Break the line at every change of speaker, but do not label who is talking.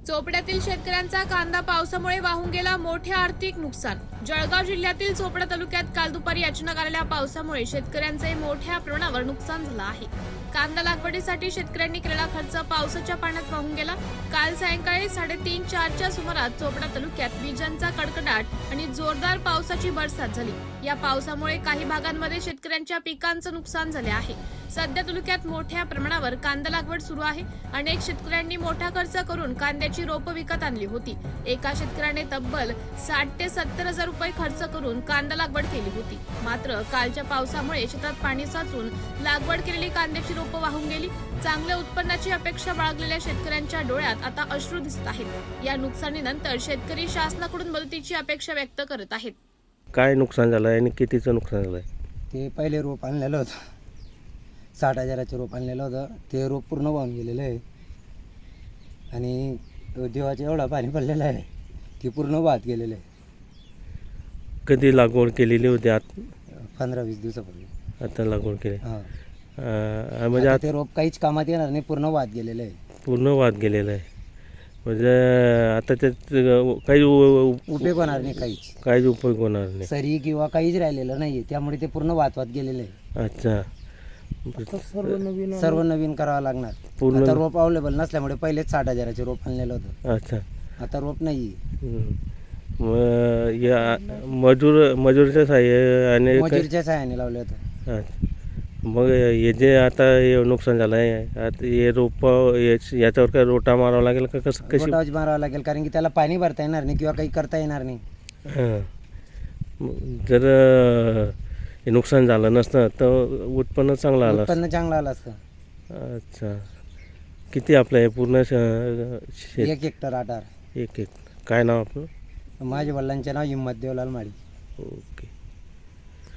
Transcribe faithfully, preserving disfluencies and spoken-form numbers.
चोपड्यातील शेतकऱ्यांचा कांदा पावसामुळे वाहून गेला, मोठे आर्थिक नुकसान. जळगाव जिल्ह्यातील चोपडा तालुक्यात काल दुपारी अचानक आलेल्या पावसामुळे शेतकऱ्यांचे मोठ्या प्रमाणावर नुकसान झालं आहे. कांदा लागवडीसाठी शेतकऱ्यांनी केलेला खर्च पावसाच्या पाण्यात वाहून गेला. काल सायंकाळी साडेतीन चारच्या सुमारास चोपडा तालुक्यात विजांचा कडकडाट आणि जोरदार पावसाची बरसात झाली. या पावसामुळे काही भागांमध्ये शेतकऱ्यांच्या पिकांचं नुकसान झाले आहे. सध्या तालुक्यात मोठ्या प्रमाणावर कांदा लागवड सुरू आहे. अनेक शेतकऱ्यांनी मोठा खर्च करून कांद्याची रोपं विकत आणली होती. एका शेतकऱ्याने तब्बल साठ ते सत्तर हजार रुपये खर्च करून कांदा लागवड केली होती. मात्र कालच्या पावसामुळे शेतात पाणी साचून लागवड केलेली कांद्याची रोपं वाहून गेली. चांगल्या उत्पन्नाची अपेक्षा बाळगलेल्या शेतकऱ्यांच्या डोळ्यात आता अश्रू दिसत आहेत. या नुकसानीनंतर शेतकरी शासनाकडून मदतीची अपेक्षा व्यक्त करत आहेत.
काय नुकसान झालं आहे आणि कितीचं नुकसान झालं आहे?
ते पहिले रोप आणलेलं होतं, साठ हजाराचं रोप आणलेलं होतं. ते रोप पूर्ण वाहून गेलेलं आहे आणि देवाचं एवढा पाणी पडलेलं आहे की पूर्ण वाहत गेलेलं आहे.
कधी लागवड केलेली होती? आत
पंधरा वीस दिवसापूर्वी
आता लागवड केली.
हां,
अं, म्हणजे
आता
आता
ते रोप काहीच कामात येणार नाही, पूर्ण वाहत गेलेलं आहे.
पूर्ण वाद गेलेला आहे. म्हणजे आता त्यात काही उ-
उपयोग होणार नाही, काहीच
काहीच उपयोग होणार नाही.
सरी किंवा काहीच राहिलेलं नाही. त्यामुळे ते पूर्ण वाहत वाहत गेलेलं आहे.
अच्छा,
सर्व नवीन करावं लागणार.
पूर्ण-
आता रोप अवेलेबल नसल्यामुळे पहिलेच साठ हजाराचे रोप आणलेलं होतं.
अच्छा.
आता रोप नाही.
हम्म. मग या मजूर मजूरच्या साह्य आणि काय-
मजुरीच्या सहाय्याने लावलं होतं.
अच्छा. मग हे जे आता हे नुकसान झालं आहे, आता हे रोप याच्यावर काय रोटा मारावा लागेल का कसं कशी?
गोटावच मारावं लागेल, कारण की त्याला पाणी भरता येणार नाही किंवा काही करता येणार नाही.
हां. मग जर अं, हे नुकसान झालं नसतं तर उत्पन्न चांगलं आलं असतं.
उत्पन्न चांगलं आलं असतं.
अच्छा. किती आपलं हे पूर्ण श- शेत?
एक हेक्टर आधार.
एक एक काय नाव आपलं?
माझ्या वडिलांचे नाव हिम्मत देवलाल माळी.
ओके.